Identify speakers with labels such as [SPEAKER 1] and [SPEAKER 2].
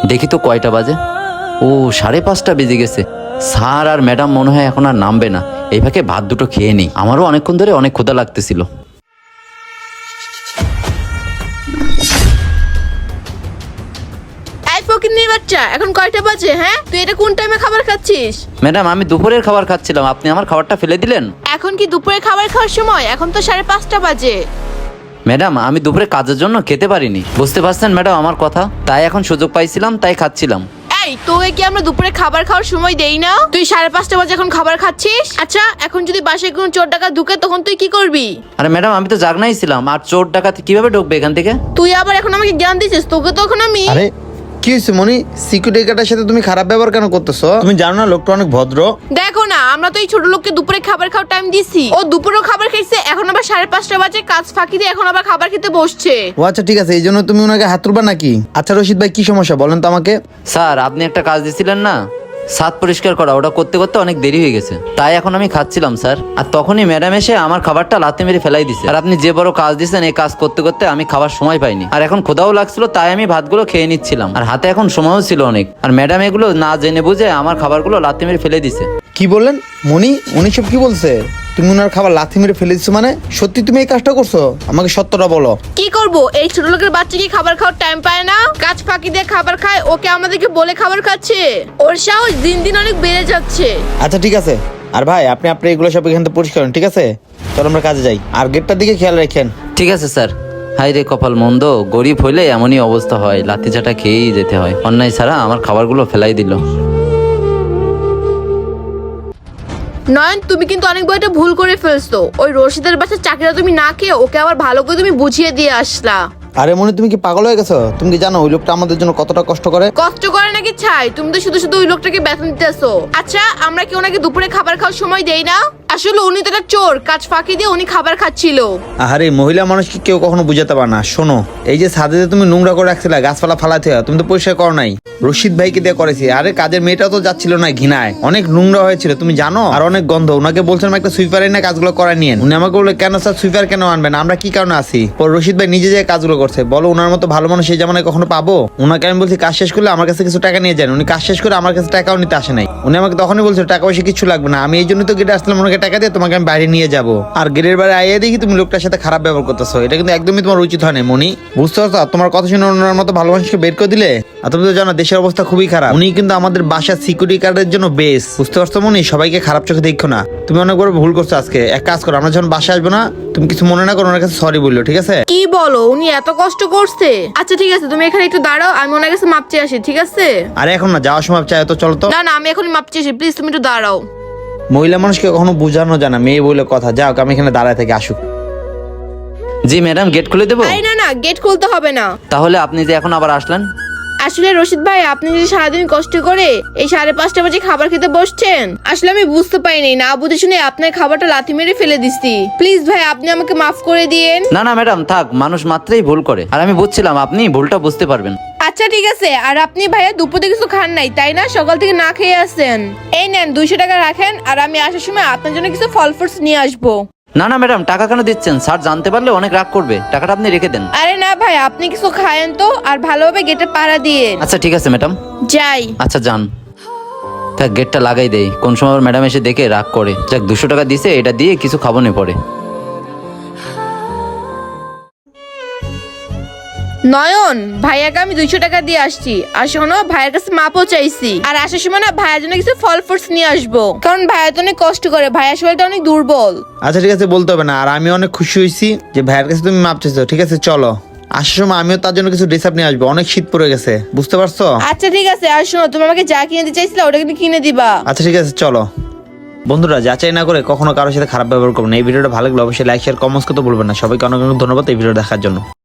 [SPEAKER 1] দেখি তো কয়টা বাজে। ও 5:30 বেজে গেছে। স্যার আর ম্যাডাম মনে হয় এখন আর নামবে না। এই ফাঁকে ভাত দুটো খেয়ে নিই, আমারও অনেকক্ষণ ধরে অনেক ক্ষুধা লাগতেছিল।
[SPEAKER 2] এই ফকিন্নির বাচ্চা, এখন কয়টা বাজে? হ্যাঁ, তুই এটা কোন টাইমে খাবার খাচ্ছিস?
[SPEAKER 1] ম্যাডাম, আমি দুপুরের খাবার খাচ্ছিলাম, আপনি আমার খাবারটা ফেলে দিলেন।
[SPEAKER 2] এখন কি দুপুরে খাবার খাওয়ার সময়? এখন তো 5:30 বাজে।
[SPEAKER 1] ম্যাডাম, আমি দুপুরে কাজের জন্য খেতে পারিনি, বুঝতে পারছেন ম্যাডাম আমার কথা? তাই এখন সুযোগ পাইছিলাম, তাই খাচ্ছিলাম।
[SPEAKER 2] এই, তোকে কি আমরা দুপুরে খাবার খাওয়ার সময় দেই না? তুই 5:30 বাজে এখন খাবার খাচ্ছিস? আচ্ছা, এখন যদি বাসায় কোনো চোর ডাকাত ঢুকে তখন তুই কি করবি?
[SPEAKER 1] আরে ম্যাডাম, আমি তো জাগনাই ছিলাম, আর চোর ডাকাত কিভাবে ঢুকবে এখান থেকে?
[SPEAKER 2] তুই আবার এখন আমাকে জ্ঞান দিছিস? তোকে তো এখন আমি
[SPEAKER 3] আরে কি হয়েছে মনি? সিকিউরিটি গার্ডের সাথে তুমি খারাপ ব্যবহার কেন করতেছো? তুমি জানো না লোকটা অনেক ভদ্র।
[SPEAKER 2] দেখো না, আমরা তো এই ছোট লোককে দুপুরে খাবার খাওয়ার টাইম দিছি। ও দুপুরেও খাবার খাইছে, এখন আবার 5:30 বাজে কাজ ফাঁকি দিয়ে এখন আবার খাবার খেতে বসছে।
[SPEAKER 3] ও আচ্ছা ঠিক আছে, এই জন্য তুমি ওনাকে হাত তুলবা নাকি? আচ্ছা রশিদ ভাই, কি সমস্যা বলেন তো আমাকে।
[SPEAKER 1] স্যার, আপনি একটা কাজ দিয়েছিলেন না, ছাদ পরিষ্কার করা, ওটা করতে করতে অনেক দেরি হয়ে গেছে, তাই এখন আমি খাচ্ছিলাম স্যার। আর তখনই ম্যাডাম এসে আমার খাবারটা লাথি মেরে ফেলাই দিছে। আর আপনি যে বড় কাজ দিয়েছেন, এই কাজ করতে করতে আমি খাবার সময় পাইনি, আর এখন ক্ষুধাও লাগছিল, তাই আমি ভাতগুলো খেয়ে নিচ্ছিলাম, আর হাতে এখন সময়ও ছিল অনেক। আর ম্যাডাম এগুলো না জেনে বুঝে আমার খাবারগুলো লাথি মেরে ফেলে দিছে।
[SPEAKER 3] কি বললেন মনি? উনি সব কি বলছে? তুমি ওনার খাবার লাথি মেরে ফেলে দিচ্ছ মানে? সত্যি তুমি এই কাজটা করছো? আমাকে সত্যটা বলো।
[SPEAKER 2] কি করব? এই ছোট লোকের বাচ্চা কি খাবার খাওয়ার টাইম পায় না? কাজ ফাঁকি দিয়ে খাবার খায়, ওকে আমাদেরকে বলে খাবার খাচ্ছে। ওর সাহস দিন দিন অনেক বেড়ে যাচ্ছে।
[SPEAKER 3] আচ্ছা ঠিক আছে, আর ভাই আপনি আপনার এগুলো সব এখান থেকে পরিষ্কার করেন, ঠিক আছে? চলো আমরা কাজে যাই, আর গেটটার দিকে খেয়াল রাখেন।
[SPEAKER 1] ঠিক আছে স্যার। হাই রে কপাল মন্দ, গরিব হইলে এমনই অবস্থা হয়, লাথি চাটা খেয়েই যেতে হয়। অন্যায় ছাড়া আমার খাবারগুলো ফেলাই দিল।
[SPEAKER 2] নয়ন, তুমি কিন্তু অনেক বড় একটা ভুল করে ফেলছো। ওই রশিদের বাচ্চার চাকরিটা তুমি না খেয়ে ওকে আবার ভালো করে তুমি বুঝিয়ে দিয়ে আসলা।
[SPEAKER 3] আরে মনি, তুমি কি পাগল হয়ে গেছো? তুমি কি জানো ওই লোকটা আমাদের জন্য কতটা কষ্ট করে?
[SPEAKER 2] কষ্ট করে নাকি ছাই? তুমি তো শুধু শুধু ওই লোকটাকে বেতন দিতেছো। আচ্ছা, আমরা কি ওনাকে দুপুরে খাবার খাওয়ার সময় দেই না? আসলে উনি তো একটা চোর, কাজ ফাঁকি দিয়ে উনি খাবার খাচ্ছিল।
[SPEAKER 3] আরে মহিলা মানুষকে কেউ কখনো বুঝাতে পারে না। শোনো, এই যে ছাদে যে তুমি নোংরা করে রাখছিলে, গাছপালা ফালাতে হয়, তুমি তো পরিষ্কার করো নাই, রশিদ ভাইকে দিয়ে করেছি। আরে কাজের মেয়েটাও তো যাচ্ছিল না ঘৃণায়, অনেক নোংরা হয়েছিল তুমি জানো, আর অনেক গন্ধ। ওনাকে বলছিলাম একটা সুইপার এনে কাজগুলো করায় নিয়েন। উনি আমাকে বললো কেন স্যার সুইপার কেন আনবেন, আমরা কি কারণে আসি? পর রশিদ ভাই নিজে যে কাজগুলো করছে। বলো, ওনার মতো ভালো মানুষ এই জামানায় কখনো পাবো? ওনাকে আমি বলছি কাজ শেষ করলে আমার কাছে কিছু টাকা নিয়ে যান। উনি কাজ শেষ করে আমার কাছে টাকাও নিতে আসে নাই। উনি আমাকে তখনই বলছিল টাকা পয়সা কিছু লাগবে না। আমি এই জন্য তো গেটে আসলাম, ওনাকে টাকা দিয়ে তোমাকে আমি বাইরে নিয়ে যাবো। আর গেটের বাইরে আইয়ে দেখি তুমি লোকটার সাথে খারাপ ব্যবহার করতেছো। এটা কিন্তু একদমই তোমার উচিত হয় না মনি, বুঝতে পারছো? তোমার কথা শুনে ওনার মতো ভালো মানুষকে বের করে দিলে। আর তুমি তো জানো দেশের অবস্থা খুবই খারাপ। উনি কিন্তু আমাদের বাসার সিকিউরিটি গার্ডের জন্য বেস্ট, বুঝতে পারছো মনি? সবাইকে খারাপ চোখে দেখো না। তুমি অনেক বড় ভুল করছো আজকে। এক কাজ করো, আমরা যখন বাসায় আসবো না, তুমি কিছু মনে না করো, ওনার কাছে সরি বললো, ঠিক আছে?
[SPEAKER 2] কি বলো? উনি এত কষ্ট করছে? আচ্ছা ঠিক আছে, তুমি এখানে একটু দাঁড়াও, আমি ওনার কাছে মাপ চেয়ে আসি, ঠিক আছে?
[SPEAKER 3] আরে এখন না, যাওয়ার সময় চাই তো, চলো তো।
[SPEAKER 2] না না, আমি এখনই মাপ চেয়ে আসি, প্লিজ তুমি একটু দাঁড়াও।
[SPEAKER 3] মহিলা মানুষকে কখনো বোঝানো যায় না, মেয়ে বলে কথা। যাও, আমি এখানে দাঁড়ায় থেকে আসুক।
[SPEAKER 1] জি ম্যাডাম, গেট খুলে দেবো?
[SPEAKER 2] আরে না না, গেট খুলতে হবে না।
[SPEAKER 1] তাহলে আপনি যে এখন আবার আসলেন?
[SPEAKER 2] আসলে রশিদ ভাই, আপনি যে সারাদিন কষ্ট করে এই 5:30 বাজে খাবার খেতে বসছেন, আসলে আমি বুঝতে পারিনি, না বুঝে শুনে আপনার খাবারটা লাথি মেরে ফেলে দিছি। প্লিজ ভাই, আপনি আমাকে মাফ করে দিয়েন।
[SPEAKER 1] না না ম্যাডাম, থাক, মানুষ মাত্রই ভুল করে, আর আমি বুঝছিলাম আপনি ভুলটা বুঝতে পারবেন।
[SPEAKER 2] আচ্ছা ঠিক আছে। আর আপনি ভাইয়া দুপুরে কিছু খান নাই তাই না? সকাল থেকে না খেয়ে আসেন। এই নেন 200 টাকা রাখেন, আর আমি আসার সময় আপনার জন্য কিছু ফল ফ্রুটস নিয়ে আসবো।
[SPEAKER 1] না না ম্যাডাম, টাকা কেন দিচ্ছেন? স্যার জানতে পারলে অনেক রাগ করবে, টাকাটা আপনি রেখে দেন।
[SPEAKER 2] আরে না ভাই, আপনি কিছু খায়েন তো, আর ভালোভাবে গেটে পাড়া দিয়ে।
[SPEAKER 1] আচ্ছা ঠিক আছে ম্যাডাম।
[SPEAKER 2] যাই।
[SPEAKER 1] আচ্ছা যান। থাক, গেটটা লাগাই দেই, কোন সময় আবার ম্যাডাম এসে দেখে রাগ করে। যাক, 200 টাকা দিছে, এটা দিয়ে কিছু খাবো নে পরে।
[SPEAKER 2] নয়ন, ভাইয়াকে আমি 200 টাকা দিয়ে আসছি। আর শোনো, ভাইয়ের কাছে মাপও চাইছি, আর আসার সময় না ভাইয়ার জন্য কিছু ফল ফ্রুটস নিয়ে আসবো, কারণ ভাইয়া তো অনেক কষ্ট করে, ভাইয়ার শরীরটা অনেক দুর্বল।
[SPEAKER 3] আচ্ছা ঠিক আছে, বলতে হবে না। আর আমি অনেক খুশি হয়েছি যে ভাইয়ের কাছে তুমি মাপ চাইছো। ঠিক আছে চলো, আসার সময় আমিও তার জন্য কিছু ড্রেস আপ নিয়ে আসবো, অনেক শীত পড়ে গেছে, বুঝতে পারছো?
[SPEAKER 2] আচ্ছা ঠিক আছে। আর শোনো, তুমি আমাকে যা কিনে দিতে চাইছিলে ওটা কিন্তু কিনে দিবা।
[SPEAKER 3] আচ্ছা ঠিক আছে চলো। বন্ধুরা, যাচাই না করে কখনো কারোর সাথে খারাপ ব্যবহার করবেন না। এই ভিডিওটা ভালো লাগলে অবশ্যই লাইক শেয়ার কমেন্টস করতে ভুলবেন না। সবাইকে অনেক অনেক ধন্যবাদ এই ভিডিও দেখার জন্য।